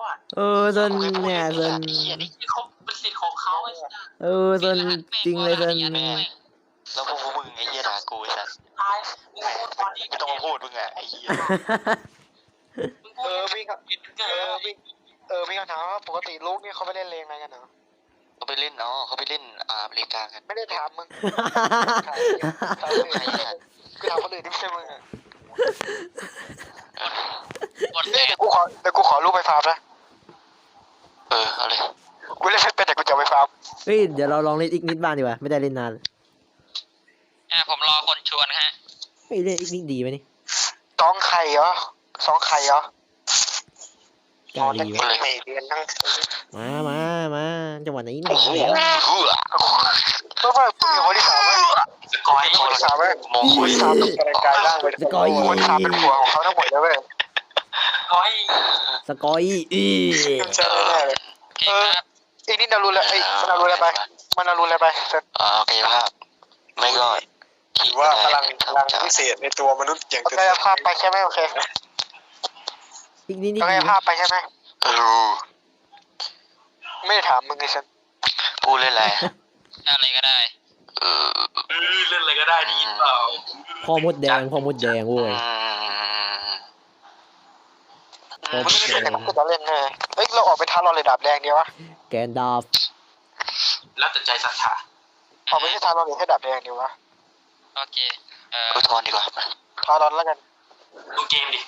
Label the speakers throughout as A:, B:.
A: เซนเนี่ยเซน
B: เขาเป็นสิทธิ์ของเขาไอ้สัส
A: เซนจริงเลยเซน
C: แล้วพวกมึงไอ้เหี้ยด่ากูไอ้สัส
B: ตายมึงพูดตอนนี้
C: ไม่ต้องมาพูดมึงอะไอ้เหี้ย
B: มึงพูด
D: พี่ก็พี่คำถามว่าปกติลูกนี่เขาไปเล่นเลงอะไรกันเหรอ
C: เขาไปเล่นเขาไปเล่นอเมริกากัน
D: ไม่ได้ถามมึงถามกูถามคนอื่นที่ไม่ใช่มึงอ่ะเดี๋ยวกูขอลูกไปฟาร์มนะ
C: เอาเลย
D: กูเล่นไม่เป็นแต่กูจะไปฟาร์ม
A: เฮ้ยเดี๋ยวเราลองเล่นอีกนิดบ้างดีกว่าไม่ได้เล่นนาน
B: ผมรอคนชวนฮะ
A: เฮ้ยเล่นอีกนิดดีไหมนี่
D: สองไข่เหรอก
A: ล้าดีวะ
D: ไม่เรียนทั้ง
A: มาจังหวะไหนนี่
C: โอ้โห
D: เพราะว่ากูมีคนที่สามไหม
B: สกอย
D: คนที่สามไหม
C: มองคุย
D: สามเป็นกายร่างเป็นคนที่สามเป็นหัวของเขาทั้งหมดเลยเว้ย
B: สกอย
A: สกอยอี
D: ใช่แน่เลย อีนี่นารูแล้วมันนารูอะไรไป
C: โอเคภาพไม่ก็
D: ถือว่าพลังพิเศษในตัวมนุษย์อย่างกายภาพไปใช่ไหมโอเค
A: อีกนิด
D: กายภาพไปใช่ไหม
C: รู้
D: ไม่ได้ถามมึงไงฉัน
C: พูดเล่นอะไร
B: อะไรก็ได้เล่นอะไรก็ได้ดีเปล่า
A: พ่อมดแดงเว้ย
D: มึงไม่ได้เล่นแต่กูจะเล่นแน่เฮ้ยเราออกไปท้าเราเลยดาบแดงดีวะ
A: แกนดาฟ
B: แล้วแต่ใจศรัทธา
D: ออกไปที่ท้าเราเลยให้ดาบแดงดีวะ
B: โอเค
C: พูดทอนดีกว่า
D: ท้าเราแล้วกัน
B: ดูเกมดิ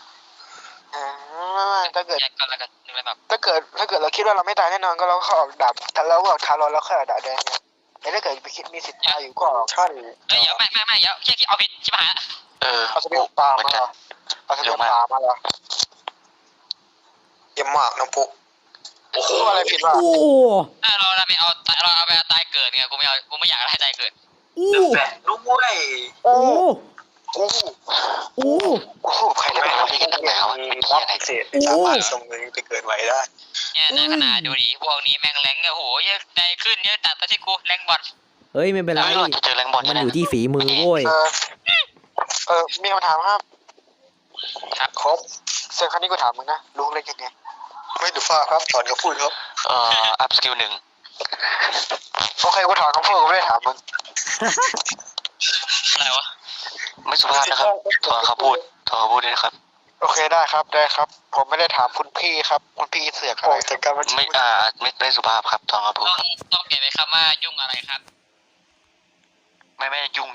D: ถ้าเกิด
B: แยกกันแล้วกันนึกอะไรแบบ
D: ถ้าเกิดเราคิดว่าเราไม่ตายแน่นอนก็เราก็ออกดาบถ้าเราออกท้าเราแล้วค่อยออกดาบแดงไงแต่ถ้าเกิดไปคิดมีสิทธิ์ตายอยู่ก็ออกท่าน
B: เดี๋ยวไม่เดี๋ยวแค่เอาผิดชิบหาย
D: เอาสเปรย์ปลามาเหรอเอาสเปรย์ปลามาเหรอเยี่ยมมากน้องปุ๊กโอ้โหอะไรผิดวะ
A: โอ้
B: เราไปเอาตายเกิดไงกูไม่อยากให้ตายเกิด
A: โอ้
B: แฝดด้วย
A: โอ้
D: โอ้โหใครได้ไปทำที่กันตั้งแต่วะเป็นที่อะไรเศษสามารถส่งเงินไปเกิดไว้ได้
B: เนี่ยในขนาดดูดิพวกนี้แม่งแรงโอ้โหเยอะใจขึ้นเยอะตัดไปที่กูแรงบอล
A: เฮ้ยไม่เป็นไร
C: จะเจอแรงบอล
A: มันอยู่ที่ฝีมือเว้ย
D: มีคำถามครับครบเซนครั้งนี้กูถามมึงนะลุงเล่นยังไงไม่ดูฟ้าครับถอนคำพูดครับ
C: อัพสกิล1
D: โอเคกูถอนคำพูดกูไม่ได้ถามมึง
B: อะไรวะ
C: ไม่สุภาพนะครับถอนคำพูดด้วยนะครับ
D: โอเคได้ครับผมไม่ได้ถามคุณพี่ครับคุณพี่เสือกอะไรแต่การ
C: ไม่สุภาพครับถอนคำพูดครับ
B: ต้องเปลี่ยนไปคำว่ายุ่งอะไรครับ
C: ไม่ยุ่ง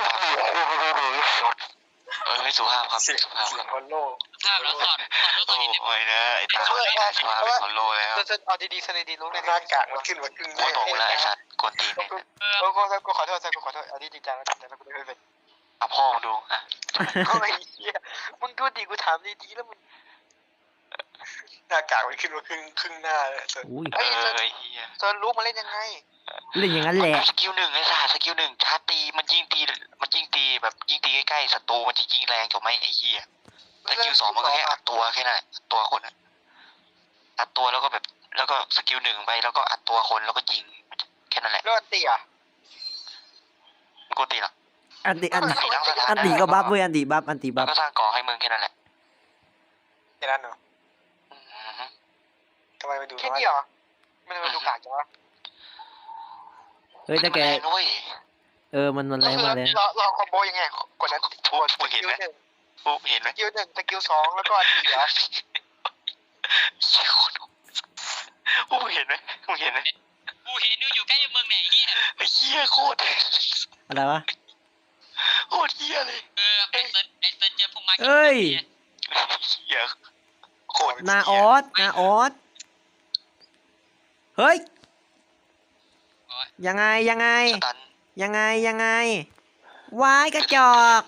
C: ไม่สุภาพครับสุภาพครับ
D: คนโลก
B: ภาพแล้วถอดรู้ตัวนิดนึง
C: โอ้ยนะไอ้ตาสุภาพเป็นคนโลแล้ว
D: จะเอาดีๆสนิทดีลุงในหน้ากากมันขึ้นมาครึ่ง
C: กูตกแล้วไอ้สัตว์กวนตีนเนี่ย
D: กูขอโทษเอาดีๆจังแล้วกูไม่เป็น
C: เอาพ่อดูอ่ะ
D: โอ้ยเหี้ยมึงดูดิกูถามดีๆแล้วมึงหน้ากากมันขึ้นมาครึ่งหน้าเลย
A: อุ้ย
C: เฮีย
D: เซิร์นรู้มาเล่นยังไง
A: เล่นอย่างนั้นแหละ
C: สกิล1ไอ้สัตว์สกิล1ชาร์จตีมันยิงตีแบบยิงตีใกล้ๆศัตรูมันจะยิงแรงจบไหมไอ้เหี้ยสกิล2มันก็แค่อัดตัวแค่นั้นตัวคนอัดตัวแล้วก็สกิล1ไปแล้วก็อัดตัวคนแล้วก็ยิงแค่นั้นแหละ
D: แล้วอันตีอ่ะ
C: มันกูตีหรอ
A: อันติก็บัฟเว้ยอันติบัฟ
C: แล้วก็สร้างก่อให้มึงแค่นั้นแหละ
D: แค่นั้นเหรอทำไมไปดูแค่นี้เหรอไม่ได้ไปดูกากจังวะ
A: เฮ้ยแต่แก มันแรงมากเลย
D: เราคอมโบยังไงกดนั้น
C: มึงเห็นไหม
D: สกิล1สกิล2แล้วก็อันตีเหรอ
C: มึงเห็นไหม
B: กูเห็นอยู่ใกล้มึงไหนเฮีย
C: ไอ้เหี้ยโคตร
A: อะไรวะ
C: โคตรเหี้ยเลย
B: ไอ้เซิร์นเจอพวกมา
A: เอ้ย
C: เหี้ยโคตร
A: นาออสเฮ้ยยังไงวายกระจอก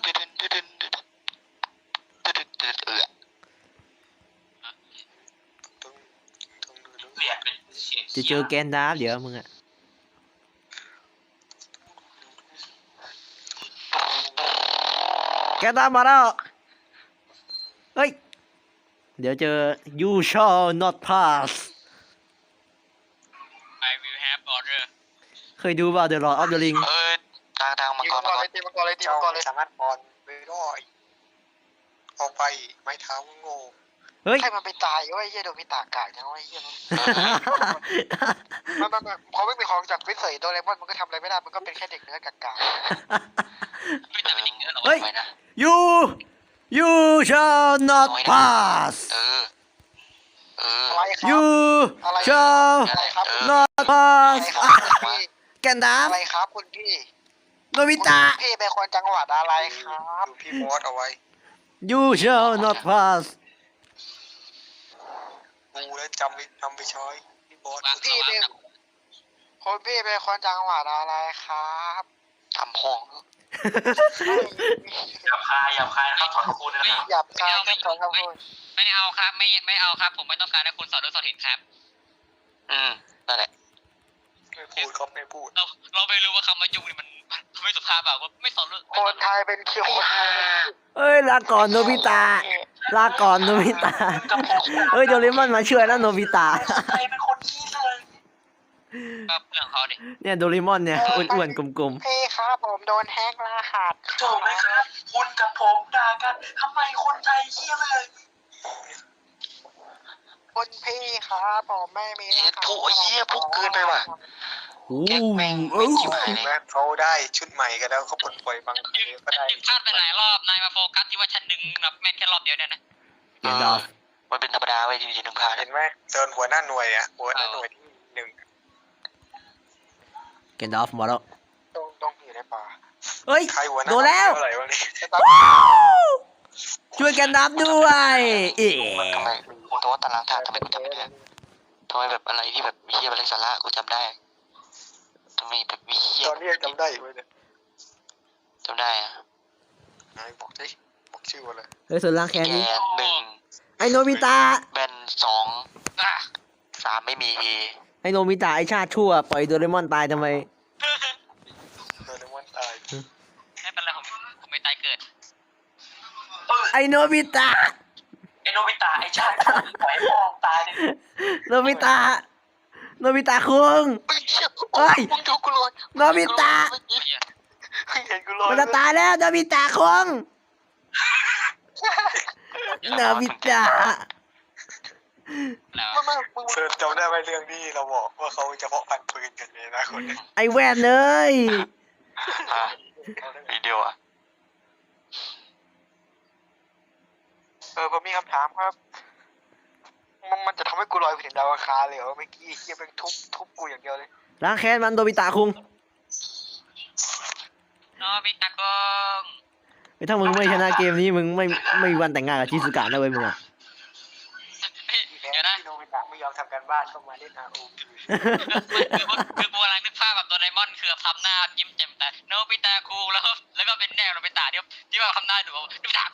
A: จะเจอแกนดาฟเดี๋ยวมึงอะแกนดาฟมาแล้วเฮ้ยเดี๋ยวเจอ you shall not pass
B: I will have order
A: เคยดูป่ะ The Lord of the Ring
C: ทางมังกร
D: ตีมังกรเลยสามารถบอลไปรอยออกไปไม้เท้าโง่
A: เฮ้ย
D: ใครมันไปตายว่าไอ้เหี้ยโดนพิตากาจังว่าไอ้เหี้ยมันพอไม่มีของจากวิเศษโดเรมอนมันก็ทำอะไรไม่ได้มันก็เป็นแค่เด็กเนื้อกากา
B: ไม่แต่เป็นอย่างนี้หรอ
A: เฮ้ย
C: ไว้นะ
A: you shall not pass
C: เออ
D: อะไรครับ
A: you
D: อะไร
A: shall
D: อะไรครับ
A: not
D: อะไร
A: pass
D: ครับคุณพี่
A: แกนดาฟ
D: อะไรครับคุณพี่
A: โนบิตะ
D: คุณพี่เป็นคนจังหวัดอะไรครับพี่มอสเอาไว้
A: you shall not pass
D: กูแล้วจำไปช้อยพี่มอส
B: วาง
D: พี่เป็น
B: กับ
D: คนพี่เป็นคนจังหวัดอะไรครับ
C: ทำห้อง
E: หยาบคายนะครับถอนคูณนะครับ
D: หยาบคายครับขอครับคุณ
B: ไม่เอาครับไม่เอาครับ ผมไม่ต้องการให้คุณสอนด้วยสอนเห็นครับ
C: นั่นแหละ
D: ไม่พูดครับไม่พูด
B: เราไม่รู้ว่าคำว่ายุ่งนี่มันไม่สุภาพแบบว่าไม่สอนด้วย
D: คนไทยเป็นคิวคนไทย
A: เอ้ยลาก่อนโนบิตะลาก่อนโนบิตะเอ้ยโดเรมอนมาช่วยแล้วโนบิตะ
E: ใครเป็นคนขี้เลย
B: ก็เรื่องเขาดิ
A: เนี่ยโดเรมอนเนี่ยอ้วนๆกลม
D: พี่ครับผมโดนแฮกรหัส
E: ถูกไหมครับ คุณกับผมด่ากันทำไมคนไทยขี้เลย
D: คุณพี่ครับผมไม่มี
C: เย็ดผู้เหี้ยพวกเกินไปว่ะ
A: ๆโอ้
C: แก๊กแม่ง
A: เอ้
C: ไม่
A: ย
C: ชิบหายเลย
D: แม่เขาได้ชุดใหม่กันแล้วเขาปลดปล่อยบางทีก็ได้
B: พลาดไปหลายรอบนายมาโฟกัสที่ว่าฉันดึงแบบแม่นแค่รอบเดียวเนี่ยนะ
A: แกนดาฟ
C: มันเป็นธรรมดาไว้ที่หนึ่งพา
D: เห็นไหมเดินหัวหน้าหน่วยอ่ะหัวหน้าหน่วยที่หนึ่ง
A: แกนดาฟมาแล้ว
D: ต้องอยู่ในป่า
A: เฮ้ย
D: ใครหัวหน้า
A: โดนแล้ว
D: อะไรวะนี่
A: ช่วยแกนดาฟด้วยเอ๋
C: ทำไมตัวตารางธาตุทำไมกูจำไม่ได้ทำไมแบบอะไรที่แบบมีเหี้ยอะไรสาระกูจำได้ทำไมแบบมีเหี้ย
D: ตอนนี้ยังจำได้อยู่เลยเนี่ย
C: จำได้อะ
D: ไหนบอกดิบอกชื่อมาเลย
A: เฮ้ยส่วนล่างแคน
C: แก
A: นี้
C: นหนึ่ง
A: ไอโนบิตะ
C: แบนสองสามไม่มี
A: ไอโนบิตะไอชาติชั่วปล่อยโดเรมอนตายทำไม
D: โดเรมอนตาย
B: ไม่เป็นไรผมไม่ตายเกิด
A: ไอโนบิตะ
E: ไอโนบิตะไอชาติปล่อยพ่อตายเลย
A: โนบิตะโนบิตะคุง เฮ้ย
C: มึงดูกูเลย
A: โนบิตะ
D: เห็นกูลอย
A: มันจะตายแล้วโนบิตะคุงโนบิตะ
B: แล้ว
D: ไม่เธอจำได้ไหมเรื่องที่เราบอกว่าเขาจะเพาะพันธุ์ปืนกันเนี่ยนะคนนี้
A: ไอแวนเลย
C: วิดีโออะ
D: ผมมีคำถามครับ มันจะทำให้กูลอยไปถึงดาวอังคารเลยเหรอเมื่อกี้เฮียเป็นทุบกูอย่างเดียวเลย
A: ล้างแค้นมันโนบิตะคุง
B: โนบิตะกง
A: ถ้ามึงไม่ชนะเกมนี้มึงไม่มีวันแต่งงานกับชิซุกะนะเว้ยมึงอะ
B: เดี๋ยวนะ
D: โนบิตะไม่ยอมทำการบ้านเข้ามาเล่นROV
B: คือกูกำลังนึกภาพแบบโดเรมอนคือทำหน้ายิ้มแจ่มแต่โนบิตะคูแล้วก็เป็นแนวโนบิตะที่ว่าทำหน้าดูโนบิตะ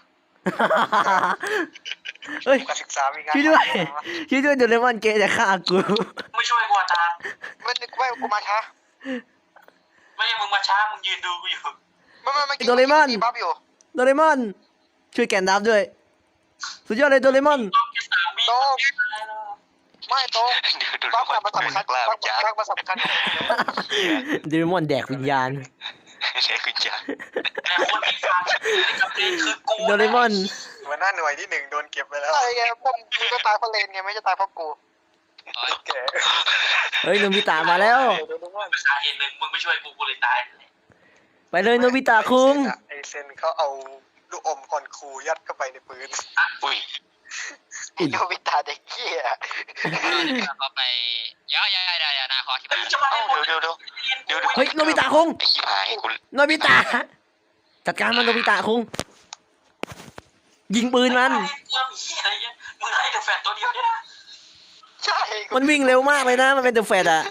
A: เฮ้ย
D: การศึกษามีการ
A: ช่วยด้วยช่วยด้วยโดเรมอนเกย์จะฆ่ากู
E: ไม่ช่วยกูอาจารย์
D: มันนึกว่ากูมาช้า
E: ไม่ใช่มึงมาช้ามึงยืนดูกูอยู่
D: ไม่
A: โดเรมอน
D: บัฟอยู่
A: โดเรมอน ช่วยแกนดับด้วย สุดยอดเลยโดเรมอน
E: ต้องแค่3 วิ
D: โตไม่โต
C: ดู
D: บัฟ
C: คน
D: มันสำคัญ
C: กล้า
D: บัฟ
C: จ้า
D: มันสำคัญ
A: โดเรมอนแดกวิญญาณ
C: ใช่คุณจ้า
E: แต่คนที่ฟังกับเพลงคือกู
A: โดเรมอน
D: หัวหน้าหน่วยที่หนึ่งโดนเก็บไปแล้วไอ้ไงพวกมึงก็ตายเพราะเลนไงไม่ใช่ตายเพราะกูแก
A: เฮ้ยโนบิตะมาแล้ว
E: สาเหตุหนึ่งมึงไม่ช่วยกูเลยตาย
A: ไปเลยโนบิตะคุง
D: ไอเซนเขาเอาลูกอมคอนคูยัดเข้าไปในปืน
C: อุ้ย
D: โนบิตะเด็กเหี้ย
B: เขาไปอย่านาคอที่บ้าน
E: จะมาให้หมด
C: เดี๋ยว
A: เฮ้ยโนบิตะคุง
C: ไอ้ขี้ผายกู
A: โนบิตะจัดการมันโนบิตะคุงยิงปืนมัน
E: มึงให้แต่แฟนตัวเดียวเนี่ยนะ
D: ใช่
A: มันวิ่งเร็วมากเลยนะ มันเป็นเดอะแฟดอะ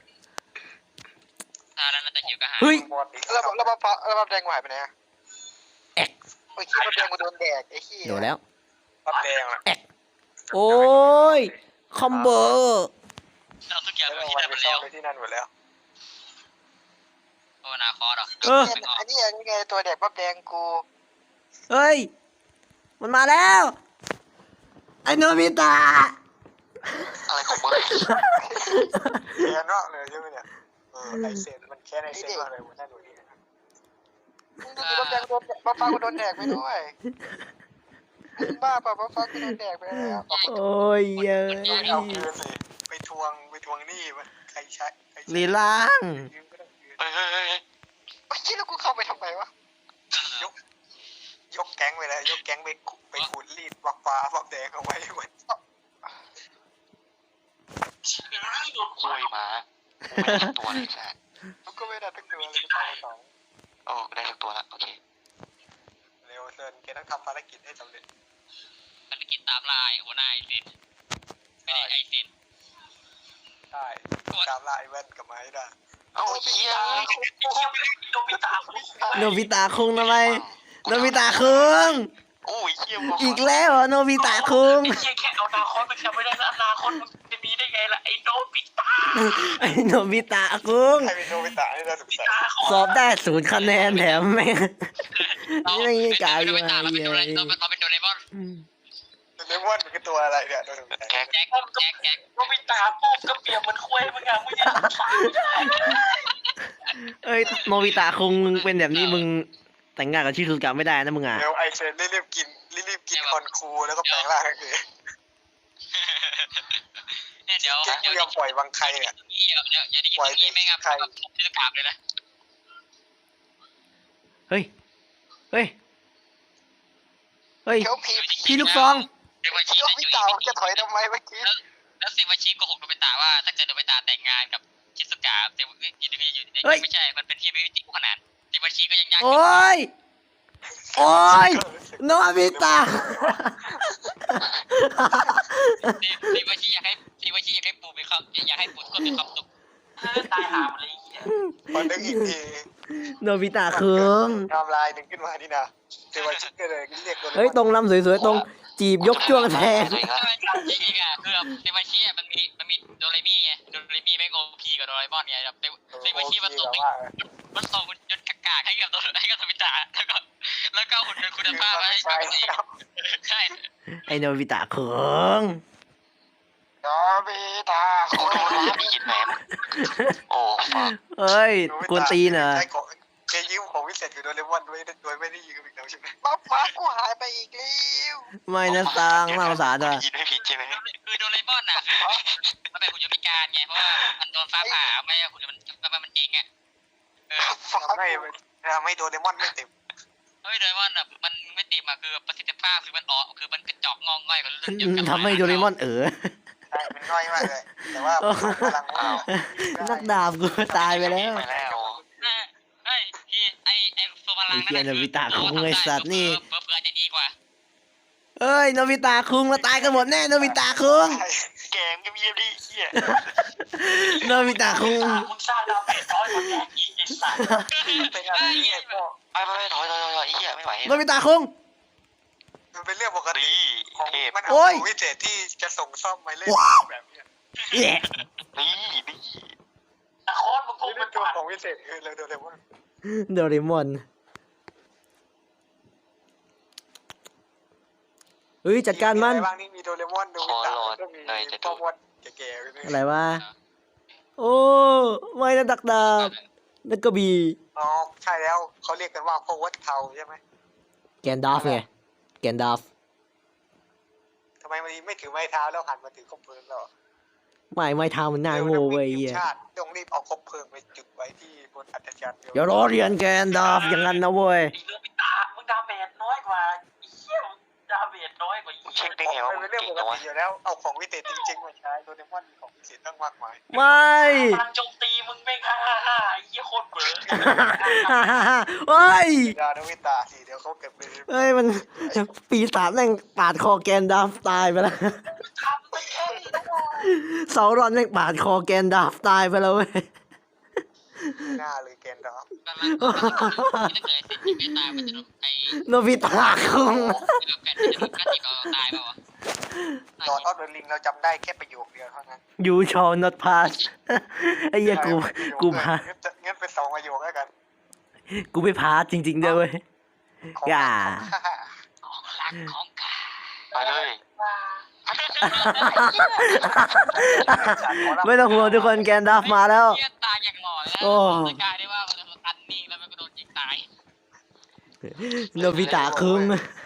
B: แล้วน่าจะหิวก็หา
A: เฮ้ย
D: แล้วบัฟแดงหายไปไหนอะ
A: แอก
D: ไอ้ขี้บัฟแดงกูโดนแดกไอ้ขี้
A: โดนแล้ว
D: บัฟแดงอะ
A: โอ้ย คอมโบ
B: เราทุกอย่าง
D: แล้ว
B: ที่
D: มัน
B: ได้
D: ไป
B: ไป
D: ซ่อ
B: แล้ว
D: นไปที่นั่นหมดแล้ว
B: โอ้นาคอหรอ
A: เออ
D: อันนี้ไงตัวแดกบัฟแดงกู
A: เฮ้ย มันมาแล้ว ไอ้โนบิตะ
C: อะไรของมึง
D: แค้นมากเลยใช่ไหมเนี่ยไอเซนมันแค้นไอเซนมากเลยหัวหน้าหน่วยนี่นะครับบัฟแดงโดนบัฟฟ้ากูโดนแดกไปด้วยไอบ้าป่ะฟ้าก็โดนแดกไปแล้ว
A: โอ้ยเย้ย
D: เอาคืนสิไปทวงหนี้มันใครใช้
A: ลีล่าง
D: ยืมก็ต้องคืน
C: เฮ้ยเฮ้ยเฮ้ย
D: ไอ้ที่แล้วกูเข้าไปทำไมวะยกแก๊งไปเลยยกแก๊งไปขูดรีดบักฟ้าบักแดงเอาไว้หมด
E: โดน
C: คุยมาไม่ได้ตัวเลยแซ่
D: มันก็ไม่ได้ทั้งตัวเลยตายสอง
C: โอ้ได้ทุกตัวละโอเค
D: เร็วเซินแกต้องทำภารกิจให้สำเร็จ
B: ภารกิจตามลายหัวหน้าไอซินไม่ได้ไอซิน
D: ใช่ตามล่าไอ้แว่นกับไม้ได้
C: เอาเฮีย
E: โดนพิตาคุณ
A: โนบิตะคุงทำไมโนบิตะคุง
C: โอ้ยเฮีย
A: อีกแล้วเหรอโนบิตะคุง
E: ไอ้เหี้ยแค่เอานาคอนไปแค่ไม่ได้นะอนาคตมันจะมีได้ไงล่ะไอ้โดนพิตา
A: ไอ้โนบิตะคุง
D: ใครเป็นโนบิตะให้น่าสงสัย
A: สอบได้0 คะแนนแถมแม่ง นี่ไม่กล่าวอยู่
B: เรา
A: ไง
B: เป็นโดเรเราเป็นโดเรมอน
D: เลมอนมันคือตัวอะไรเนี่ยโดนสงสัย
C: แก๊ก
B: แจ็คแจ็ค
E: โดนพิตาปุ๊บก็เปรียบมันคุยมึงอะมึงยังฟังไม่ได้
A: เอ้ยโนบิตะคุงมึงเป็นแบบนี้มึงแต่งงานกับชิซุกะไม่ได้นะมึงอ่ะ
D: เร็วไอเซนรีบกินคอนคูแล้วก็แปลงร่างคือ
B: เนี่ยเดี๋ยว
D: แก๊งไม่ยอมปล่อยวางใครเนี่ย
B: เดี๋ยวอย่าได้ยินอย่างนี้ไม่งั้นที่จะกราบเลยนะ
A: เฮ้ยเฮ้ยเฮ้ย
D: เดี๋ยวผี
A: พี่ลูกซอง
B: เดวาชิ
D: โนบิตะจะถอยทำไมเมื่อกี้
B: แล้วเซวาชิโกหกโดเบตาว่าถ้าเกิดโดเบตาแต่งงานกับชิสุกะเซวาชิอยู่ไม่ใช่มันเป็นที่ไม่ติขนาดเซวาชิก็ยังยาก
A: โอ้ยโอ้ยโนบิตะ
B: เซวาชิอยากให้ปู่มีความอยากให้ปู่ทุกคนมีความสุข
E: ตายหาหมดเลยไอ้เหี้ย
D: พอนึกอีกที
A: โนบิตะคุง
D: ทำลายหนึ่งขึ้นมานี่นะเซวาชิก็เลยเรียกโดน
A: เฮ้ยตรงลำสวยๆตรงจีบยกจ้วงแทง
B: จริงๆอ่ะคือเซวาชิมันมีโดเรมี่ไงโดเรมี่ไม่โอพีกับโดเรมอนไงแบบเซวาชิมันส่งหุ่นยนต์กากๆให้กับโดบิตะแล้วก็หุ่นยนต์คุณภาพให้กับตัวเองใช่
A: ไอโนบิตะคุง
D: โนบิตะ
C: โอ้โหได้ยินแหมโอ้ฟัง
A: เอ้ยกวนตีนเหรอ
D: แกยืมของวิเศษกับโดเรมอนด้วยโดยไม่ได้ยืมอีกแล้วใช่ไหมฟ้ากูหายไปอีกแล้ว
A: ไม่นะตังน่าสงสารอ่ะ
C: ยินไม่ผิดใช่ไหม
B: คือโดเรมอนอ่ะมันเป็นหุ่นยนต์พิการไงเพราะว่ามันโดนฟ้าผ่าไม่หุ่นยนต์มันเจ๊งอ่ะ
D: ฟ้าไม่โดเรมอนไม่เต็ม
B: เฮ้ยโดเรมอนอ่ะมันไม่เต็มอ่ะคือประสิทธิภาพคือมันออกคือมันกระจอกงองง่อยกว่าเรื่อง
A: ทำให้โดเรมอน
D: ใช่มันน้อยมากเลยแต่ว่าพลังว้าว
A: นักดาบกูตายไปแล้ว
C: ไปแล้ว
B: เฮ้ยพี่ไอโซพลังนั่น
A: ไอ้เหี้ยโนบิตะคุงไอ้สัตว์นี่
B: เผื่อจะดีกว่า
A: เอ้ยโนบิตะคุงมาตายกันหมดแน่โนบิตะคุง
C: แกมก็มีดีเฮีย
A: โนบิตะคุง
E: มึงสร้างดาวเมจน้อยกว่าแกอีกไอ้สัตว์
D: เป็นอะไรเนี่ยก็
C: ไปถอยเฮียไม่ไหว
A: โนบิตะคุง
D: มันเป็นเรื่องปกติ
C: ดี
D: ของ
C: เทพ
D: มัน
A: โอ้
D: เอา
A: ย
D: วิเศษที่จะส่งซ่อมมาเล่นแบบนี้
A: แย่
C: นี่
E: นาคอนมึงคง
D: นี่
E: เป็น
D: ตัว
E: ผ่าน
D: ของวิเศษคือโดเรมอน
A: โดเรมอนเฮ้ยจัดการมัน
D: บ้างนี่มีโดเรมอนโดบิตะก็มีพ่อมดแก่ๆ
A: อะไรวะโอ้ไม่นะดักดาบนักกระบี่
D: อ๋อใช่แล้วเขาเรียกกันว่าพ่อวัดเทาใช่ไหม
A: แกนดาฟไงแกนดาฟ
D: ทำไมมันไม่ถือไม้เท้าแล้วหันมาถือคบเพลิงหรอ
A: ไม่เท้ามันน่าโง่เว้ย
D: ที
A: เหี้
D: ม
A: ย
D: ชาติต้องรีบเอาคบเพลิงไปจุดไว้ที่บนอัศจรรย์
A: อย่ารอเรียนแกนดาฟอย่างนั้นนะเว้ย
E: ไอ้โดนพิตามึงดาเมจน้อยกว่าไอ้เหี้ยดาเมจน้อยกว่าไอ้
C: เช็
E: เหี้
C: ค
E: ย
C: ได้ไงว่า
D: เป็
C: มัน
D: นเรื่อง
C: เก่ง
D: ปก
C: จังวะ
D: ติอยู่แล้วเอาของวิเศษจริงๆมาใช้โดเรมอนมีของวิเศษตั้งมากมาย
A: ไม่
E: พลังโจมตีมึงแม่งฮ่าไอ้เหี้ยโคตรเบื่อ
A: เฮ้ย
D: ดาโนวิตาสิเดี๋ยวเขาเก็บไป
A: เฮ้ยมันปีศาจแม่งปาดคอแกนดาฟตายไปแล้ว
E: ทำไปแค่นี้นะวะ
A: เสารอนแม่งปาดคอแกนดาฟตายไปแล้วเว้ย
D: หน้าเลยแกนดาฟ
B: ถ้าเกิดสิจิไม่ตายมันจะโดนไอ
A: โนบิตะคุง
B: แผ่นจะโดนกระติบเราตายเปล่าวะ
D: ดอทออฟเดอะลิงเราจำได้แค่ประโยคเดียวเท่านั้น
A: ยูชอ not pass ไอ้เหี้ยกูพา
D: งั้นเป็นสองประโยคแล้วกัน
A: กูไม่พาสจริงๆด้วยเว้ย
D: ของ
A: อย่า
B: ของรักของกา
C: ไปเลย
A: ไม่ต้องห่วงทุกคนแกนดาฟมาแล้ว
B: เหี้ยตายอย่างหล่อเลย
A: โอ้
B: นะกลายได้ว่ามันอันนิ่งแล้วมันก็โดนยิงตาย
A: โนบิตะคุง
D: เ